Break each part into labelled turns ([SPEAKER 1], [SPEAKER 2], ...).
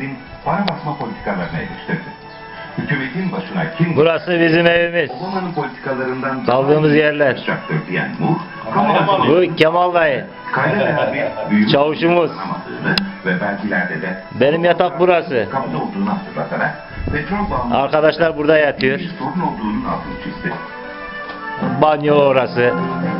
[SPEAKER 1] hükümetin para basma politikalarını eleştirdi. Hükümetin başına kim...
[SPEAKER 2] Burası bizim evimiz.
[SPEAKER 1] Obama'nın politikalarından...
[SPEAKER 2] Kaldığımız yerler.
[SPEAKER 1] ...yapacaktır diyen Moore...
[SPEAKER 2] Bu Kemal dayı.
[SPEAKER 1] Kayda veya bir büyük...
[SPEAKER 2] Çavuşumuz.
[SPEAKER 1] ...ve belgilerde de...
[SPEAKER 2] Benim yatak burası.
[SPEAKER 1] ...kapıda olduğunu hatırlatarak... ...petrol bağımlı...
[SPEAKER 2] Arkadaşlar burada yatıyor.
[SPEAKER 1] ...bir sorun olduğunun altını çizdi.
[SPEAKER 2] Banyo orası.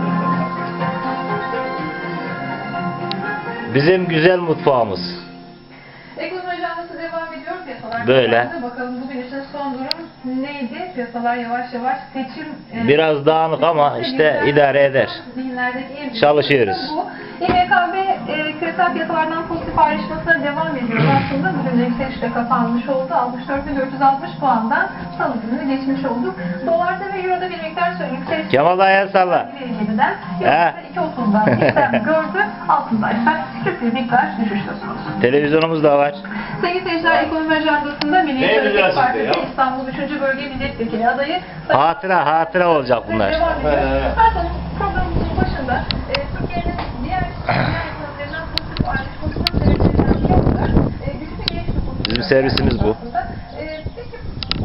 [SPEAKER 2] Bizim güzel mutfağımız.
[SPEAKER 3] Ekonomi ajandası devam ediyor. Piyasalar
[SPEAKER 2] Böyle.
[SPEAKER 3] Bakalım bugün için son durum neydi? Piyasalar yavaş yavaş seçim...
[SPEAKER 2] Biraz dağınık ama işte idare eder. Çalışıyoruz.
[SPEAKER 3] Bu. İMKB küresel piyasalardan pozitif ayrışmasına devam ediyor. Aslında bugün de yükselişle kapanmış oldu. 64.460 puandan salı gününü geçmiş olduk. Dolarda ve Euro'da bir miktar yükseliş.
[SPEAKER 2] Kemal dayı el salla.
[SPEAKER 3] 2.30'dan işlem gördü. Altındaysa küçük bir miktar düşüş söz konusu.
[SPEAKER 2] Televizyonumuz da var.
[SPEAKER 3] Sevgili seyirciler, ekonomi ajandasında Milliyetçi Hareket Partisi İstanbul 3. Bölge Milletvekili adayı
[SPEAKER 2] Hatıra olacak bunlar.
[SPEAKER 3] devam ediyor. Zaten programımızın başında Türkiye'nin diğer ekonomilerinden pozitif ayrışmasına sebeplerinden biri olarak güçlü genç nüfusu.
[SPEAKER 2] Bizim servisimiz bu.
[SPEAKER 3] Peki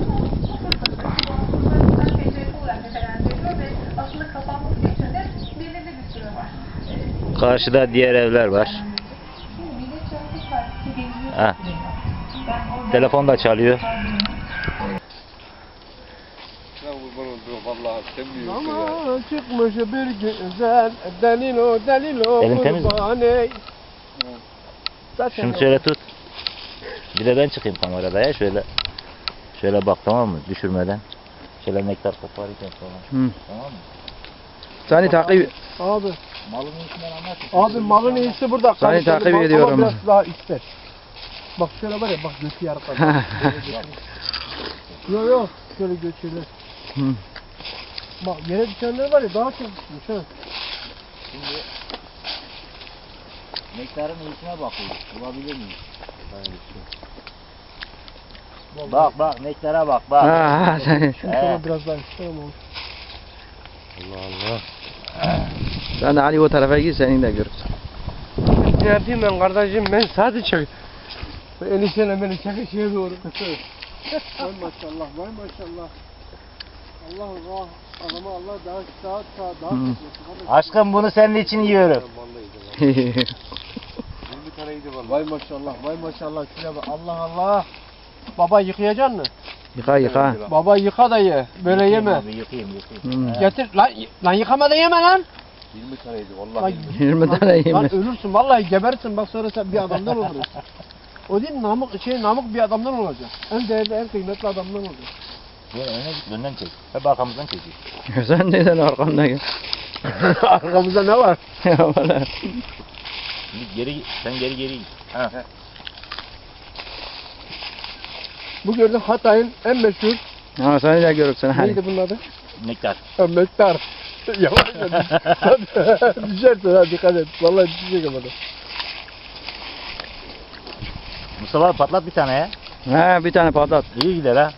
[SPEAKER 3] bu fırsatı PCF olarak nitelendiriliyor ve aslında kapanması için de belirli bir süre var.
[SPEAKER 2] Karşıda diğer evler var.
[SPEAKER 3] Şimdi Milliyetçi Hareket Partisi geliyor.
[SPEAKER 2] Ha. Telefon da çalıyor.
[SPEAKER 4] Ama çıkmış bir güzel delilo delilo
[SPEAKER 2] Elin temiz mi?
[SPEAKER 4] kurbane.
[SPEAKER 2] Şunu şöyle tut. Bir de ben çıkayım kamerada ya şöyle bak, tamam mı? Düşürmeden. Şöyle nektar koparırken falan.
[SPEAKER 4] Hı.
[SPEAKER 2] Tamam mı?
[SPEAKER 4] Seni takip abi.
[SPEAKER 2] Malın iyisinden anlat.
[SPEAKER 4] Abi malın iyisi burada.
[SPEAKER 5] Seni
[SPEAKER 4] Karıştırdı.
[SPEAKER 5] takip
[SPEAKER 4] Bak,
[SPEAKER 5] ediyorum.
[SPEAKER 4] ama biraz daha ister. Bak şöyle var ya, bak götü yarı kadar. Yok yok şöyle götürür.
[SPEAKER 5] Hı.
[SPEAKER 4] Bak yere düşenler var ya daha çok düşmüş ha.
[SPEAKER 2] Şimdi nektarın iyisine bakıyoruz. Bulabilir miyiz? Bak nektara bak.
[SPEAKER 5] Ha, sen.
[SPEAKER 4] Şöyle biraz daha ister ama olur.
[SPEAKER 2] Allah.
[SPEAKER 5] Sen de Ali o tarafa git, senin de görürsün.
[SPEAKER 4] Ne yapayım ben kardeşim, ben sadece çek. Enişteyle beni çekişeye doğru. Vay maşallah, vay maşallah. Allah Allah, adama Allah daha daha
[SPEAKER 5] Hı.
[SPEAKER 2] Aşkım bunu senin için yiyorum.
[SPEAKER 4] Vay maşallah, vay maşallah. Şuna bak, Allah Allah. Baba yıkayacaksın mı?
[SPEAKER 5] Yıka.
[SPEAKER 4] Baba yıka da ye, böyle yeme.
[SPEAKER 2] Abi, yıkayayım.
[SPEAKER 5] Hı.
[SPEAKER 4] Getir, lan yıkama da yeme lan.
[SPEAKER 2] 20 taneydi
[SPEAKER 4] Lan,
[SPEAKER 5] 20 tane
[SPEAKER 4] lan
[SPEAKER 5] yemiş.
[SPEAKER 4] ölürsün, vallahi gebersin, bak sonra sen bir adamdan olursun. O değil, namık bir adamdan olacak. En değerli, en kıymetli adamdan olacak.
[SPEAKER 2] Böyle öne git, önden çek. Hep arkamızdan çekiyor.
[SPEAKER 5] Sen neden arkamda gel?
[SPEAKER 4] Arkamızda ne var?
[SPEAKER 2] Şimdi sen geri git. Ha.
[SPEAKER 4] Bu gördüğün Hatay'ın en meşhur,
[SPEAKER 5] Ha, seni de görürsün. Hadi.
[SPEAKER 4] neydi bunun adı?
[SPEAKER 2] Nektar.
[SPEAKER 4] Mektar. Yavaş düşersin ha, dikkat et. Vallahi düşecek ama da.
[SPEAKER 2] Mustafa patlat bir tane ya.
[SPEAKER 5] Ha, bir tane patlat.
[SPEAKER 2] İyi gider ha.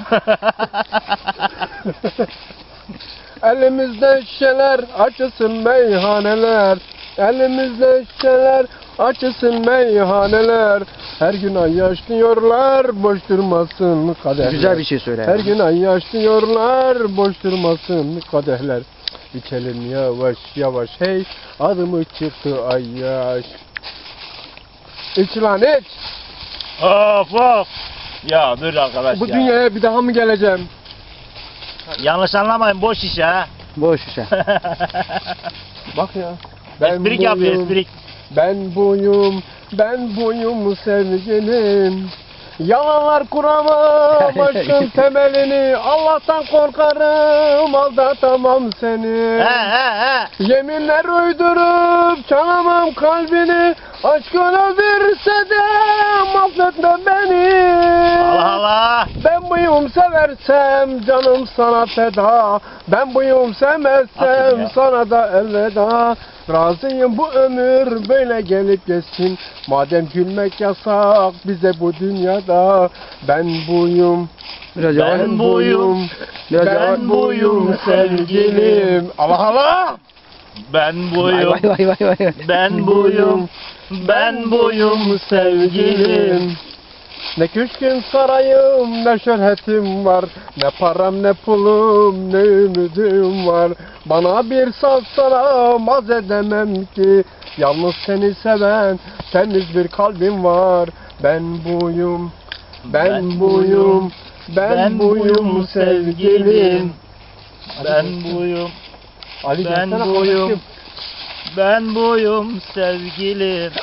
[SPEAKER 4] Elimizde şişeler, açılsın meyhaneler. Elimizde şişeler, açılsın meyhaneler. Her gün ay yaşlıyorlar, boş durmasın kadehler.
[SPEAKER 5] Güzel bir şey söyle.
[SPEAKER 4] Her gün ay yaşlıyorlar, boş durmasın kadehler. İçelim yavaş yavaş hey, adımı çıktı ay yaş. İç lan iç.
[SPEAKER 2] Of. Ya dur arkadaş
[SPEAKER 4] Bu
[SPEAKER 2] ya.
[SPEAKER 4] dünyaya bir daha mı geleceğim?
[SPEAKER 2] Yanlış anlamayın, boş iş ha.
[SPEAKER 5] Boş işe.
[SPEAKER 4] Bak ya.
[SPEAKER 2] Esprik yapıyor, esprik.
[SPEAKER 4] Ben buyum sevgilim. Yalanlar kuramam aşkın temelini. Allah'tan korkarım, aldatamam seni.
[SPEAKER 2] He.
[SPEAKER 4] Yeminler uydurup çalamam kalbini. Aşkın öldürse de affetme beni.
[SPEAKER 2] Allah.
[SPEAKER 4] Ben buyum seversem canım sana feda. Ben buyum sevmezsem
[SPEAKER 2] ya.
[SPEAKER 4] sana da elveda. Razıyım bu ömür böyle gelip geçsin. Madem gülmek yasak bize bu dünyada. Ben buyum.
[SPEAKER 5] Biraz yavaş.
[SPEAKER 2] Ben buyum.
[SPEAKER 4] Ben buyum sevgilim. Allah Allah.
[SPEAKER 2] Ben buyum.
[SPEAKER 5] Vay.
[SPEAKER 2] Ben buyum sevgilim.
[SPEAKER 4] Ne köşküm sarayım ne şöhretim var. Ne param ne pulum ne ümidim var. Bana bir salsana maz edemem ki. Yalnız seni seven temiz bir kalbim var. Ben buyum, ben buyum, ben buyum sevgilim.
[SPEAKER 2] Ben buyum,
[SPEAKER 4] Ali
[SPEAKER 2] ben
[SPEAKER 4] gelsene
[SPEAKER 2] buyum.
[SPEAKER 4] kardeşim.
[SPEAKER 2] ben buyum sevgilim.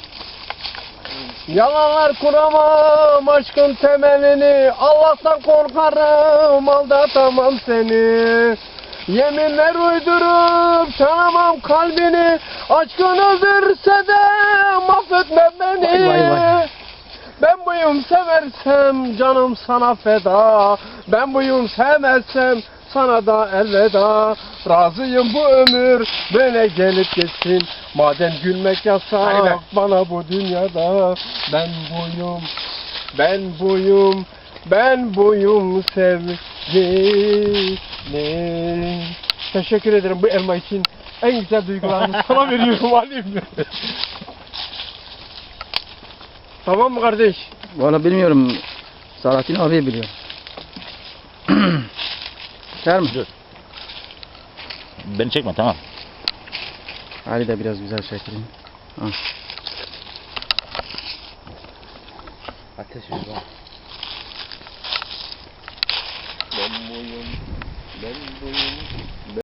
[SPEAKER 4] Yalanlar kuramam aşkın temelini. Allah'tan korkarım aldatamam seni. Yeminler uydurup tanımam kalbini. Aşkın öldürse de mahvetme beni.
[SPEAKER 5] Vay, vay, vay.
[SPEAKER 4] Ben buyum seversem canım sana feda. Ben buyum sevmezsem sana da elveda. Razıyım bu ömür böyle gelip geçsin. Madem gülmek yasak bana bu dünyada. Ben buyum, ben buyum, ben buyum sevgilim. Teşekkür ederim bu elma için. En güzel duygularımı sana veriyorum Halim. Tamam mı kardeş?
[SPEAKER 5] Valla bilmiyorum. Salahattin abi biliyor. Ser mi?
[SPEAKER 2] Dur. Beni çekme, tamam.
[SPEAKER 5] Ali de biraz güzel çekeyim. Ha.
[SPEAKER 2] Ateş ver.